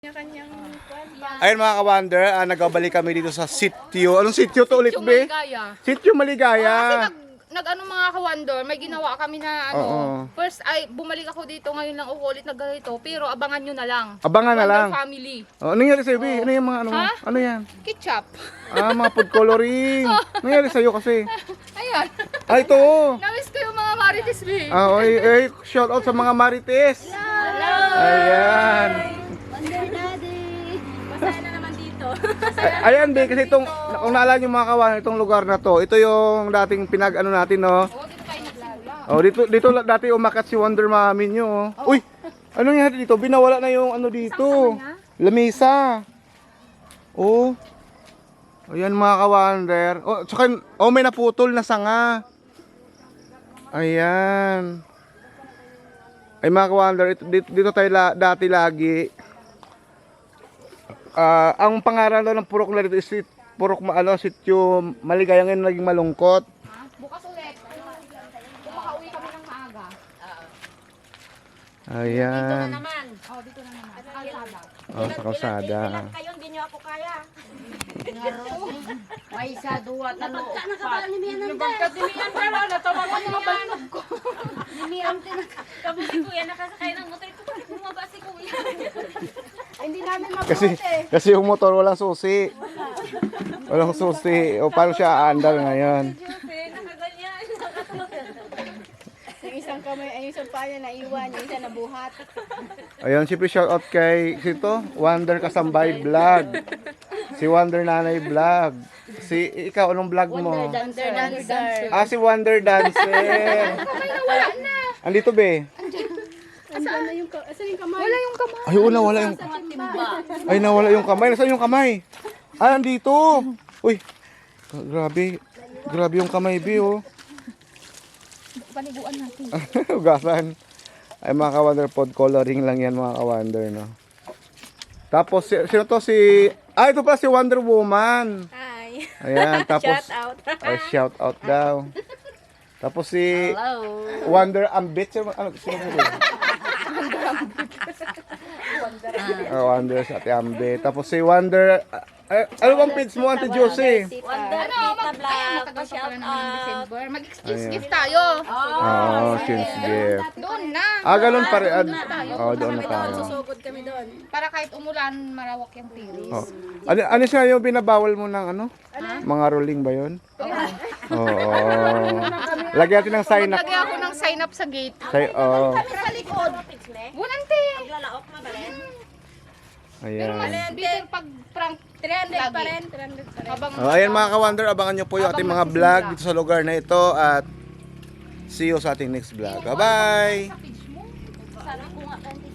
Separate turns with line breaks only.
Kanya-kanyang
Ayun mga ka-wonder, nagbabalik kami dito sa sitio. Anong sitio to ulit,
Sitio
be?
Maligaya.
Sitio Maligaya.
Kasi nag-ano mga ka-wonder, may ginawa kami na ano.
Oo.
First ay bumalik ako dito ngayon lang ako ulit nagganito, pero abangan nyo na lang.
Abangan na lang.
Wonder Family.
Oh, ano nangyari sa'yo, be? Ano yung mga ano?
Ha?
Ano yan?
Ketchup.
Mga food coloring. Ano nangyari sa'yo kasi?
Ayan.
Ito.
Namiss ko yung mga Marites, be.
Shout out sa mga Marites.
Hello.
Ayan.
Wonder Daddy! Masaya na naman dito.
Ayan, be, kasi itong, kung naalala nyo mga kawan, itong lugar na to, ito yung dating pinag-ano natin, no?
Oo, dito tayo nagsimula.
Oh, dito dati umakat si Wonder Mami nyo. Oh. Uy, ano nga dito? Binawala na yung ano dito. Lamesa. Oh. Ayan mga ka-wonder. Oh, tsaka, may naputol na sanga. Ayan. Ay mga ka-wonder, dito tayo dati lagi. Ang pangalan daw ng purok na dito is sitio Maligaya, ngayon naging Malungkot.
Ha? Bukas ulit. Kung makauwi kami ng maaga.
Ayan.
Naman.
Oo, dito na naman. Kalsada.
Oh, sa kalsada.
Kayo, hindi nyo ako kaya. May isa, duwa, talo, upat.
Kadimian pa lang, natawagan mga balnog ko.
Kabuti kuya, nakasakay ng motor ko. Bakit bumaba si kuya?
Hindi namin mabuti.
Kasi yung motor walang susi. Walang susi. O paano siya aandar ngayon?
Nakaganyan.
Yung isang kamay, ay yung isang paa niya naiwan, yung isa nabuhat.
Ayun, siyempre shout out kay sito, Wonder Kasambay Vlog. Si Wonder Nanay Vlog. Ikaw, anong vlog mo?
Dancer, dancer.
Si Wonder Dancer.
Wala na.
Andito be.
Asan na yung, asan yung kamay?
Wala yung kamay.
Ay, wala yung... Ay, nawala yung kamay. Nasaan yung kamay? Andito. Uy, grabe. Grabe yung kamay, be, oh.
Paniguan natin.
Ugasan. Ay mga ka-wonder, pod coloring lang yan mga ka-wonder, no? Tapos, sino to si... ito pa si Wonder Woman.
Hi.
Ayan, tapos...
Shout out.
Shout out daw. Tapos si
Hello.
Wonder Ambit. Sino ba yun? Wonder sa Ate Ambit. Tapos si Wonder... ano bang page mo, Ate Josie?
Wonder Tita Vlog.
Matagal pa
Shout
pala naman yung
out.
December. Mag-excuse
Ayan.
gift tayo.
Since gift.
Doon na.
Ganun pa rin. Doon na tayo.
Susugod kami doon.
Para kahit umulan, marawak yung tiris.
Oh. Ano siya yung binabawal mo ng ano? Mga rolling ba yun? Oo. Lagyan natin ng sign up.
Maglagay ako ng sign up sa gate.
Sa likod.
Bunante.
Lalaok na ba rin?
Pero mas
Ayan.
bitter pag prank
300 pa
lagi.
rin, 300 pa rin.
Habang
Ayan mga ka-wonder, abangan nyo po yung ating mga vlog dito sa lugar na ito at see you sa ating next vlog. Bye-bye!
page mo.
Sabi ko nga kanina.